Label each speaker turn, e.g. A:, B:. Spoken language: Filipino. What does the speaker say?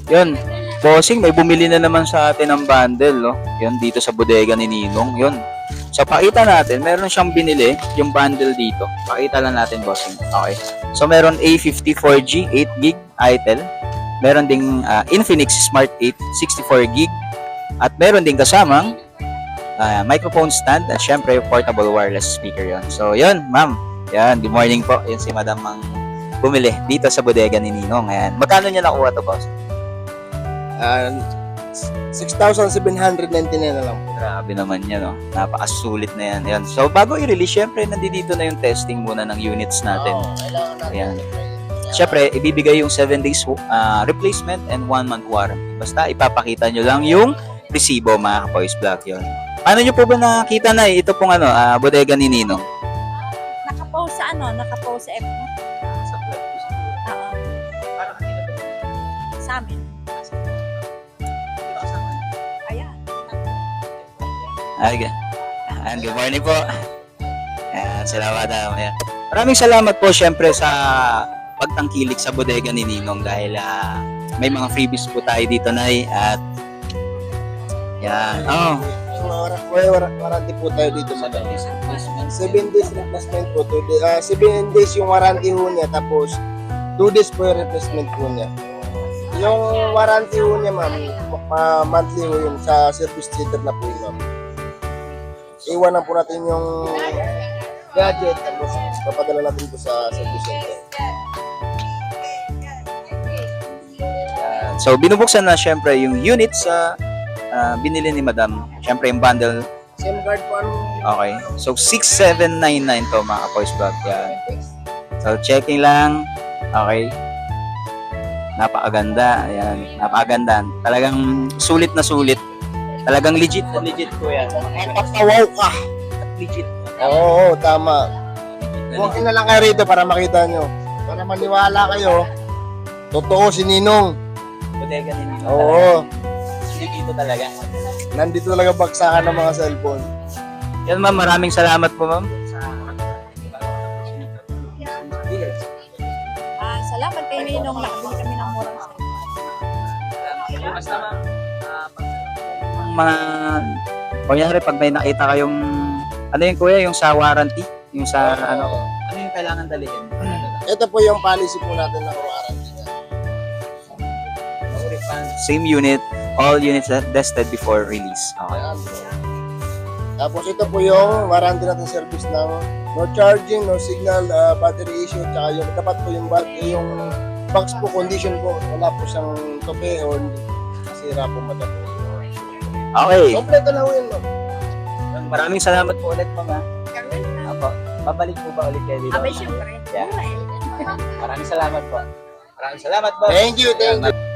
A: Yun. Bossing, may bumili na naman sa atin ng bundle, no? Yun, dito sa bodega ni Ninong. Yun. So, pakita natin. Meron siyang binili, yung bundle dito. Pakita lang natin, bossing. Okay. So, meron A54G, 8GB, ITEL. Meron ding Infinix Smart 8, 64GB. At meron ding kasamang microphone stand at syempre portable wireless speaker yon. So, yun, ma'am. Yan, good morning po. Yan si madam ang bumili dito sa bodega ni Ninong. Ayan. Magkano niya nakuha to, boss?
B: 6,799 na lang.
A: Grabe naman yan, no? Napakasulit na yan. Ayan. So, bago i-release, syempre, nandito na yung testing muna ng units natin.
B: Kailangan natin.
A: Ayan. Syempre, ibibigay yung 7 days replacement and 1 month warranty. Basta ipapakita nyo lang yung resibo, mga ka-Boys Vlog yun. Paano nyo po ba nakita na ito pong bodega ni Ninong?
C: Nakapost sa nakapost sa FB. Oo. Sa amin. Ayan.
A: Ayan, good morning po. Ayan, salamat. Ayan. Maraming salamat po syempre sa pagtangkilik sa bodega ni Ninong dahil may mga freebies po tayo dito, Nay. At yan. Oh.
B: Warranty po tayo dito, madam. 7 days replacement po. 7 days yung warranty ho niya, tapos 2 days po yung replacement po niya. Yung warranty ho niya, ma'am, monthly ho yun, sa service center na po yun, ma'am. Iwanan po natin yung gadget, tapos papadala natin po sa service center.
A: So, binubuksan na syempre yung unit sa binili ni Madam. Syempre yung bundle.
B: SIM card po, ano?
A: Okay. So, 6,799 to mga ka-Boys Vlog. Yan. So, checking lang. Okay. Napakaganda. Ayan. Napakaganda. Talagang sulit na sulit. Talagang legit na legit po yan.
B: Tatawaw ka!
A: Legit.
B: Oo, tama. Walk-in na lang kayo rito para makita nyo. Para maniwala kayo. Totoo si Ninong.
A: Bodega ni Ninong.
B: Oo.
A: Dito talaga.
B: Nandito talaga baksakan ng mga cellphone.
A: Yan, ma'am. Maraming salamat po, ma'am.
C: Salamat kay Ninong, nakabili kami ng murang
A: Basta, ma'am. Mga kunyari pag may nakita kayong ano yung kuya, yung sa warranty, yung sa ano yung kailangan dalhin?
B: Ito po yung policy po natin ng warranty.
A: Same unit, all units tested before release. Okay.
B: Ayan. Tapos ito po yung warranty natin service ng no charging, no signal, battery issue, tsaka yung dapat po yung box po condition po, wala po siyang tope o masira po madami.
A: Okay.
B: Kompleto na po yun, ma'am.
A: Maraming salamat po ulit, ma'am. Apo, babalik po ba ulit kayo dito?
C: Abay, syempre.
A: Yeah. Maraming salamat po. Maraming salamat po.
B: Thank you, thank you.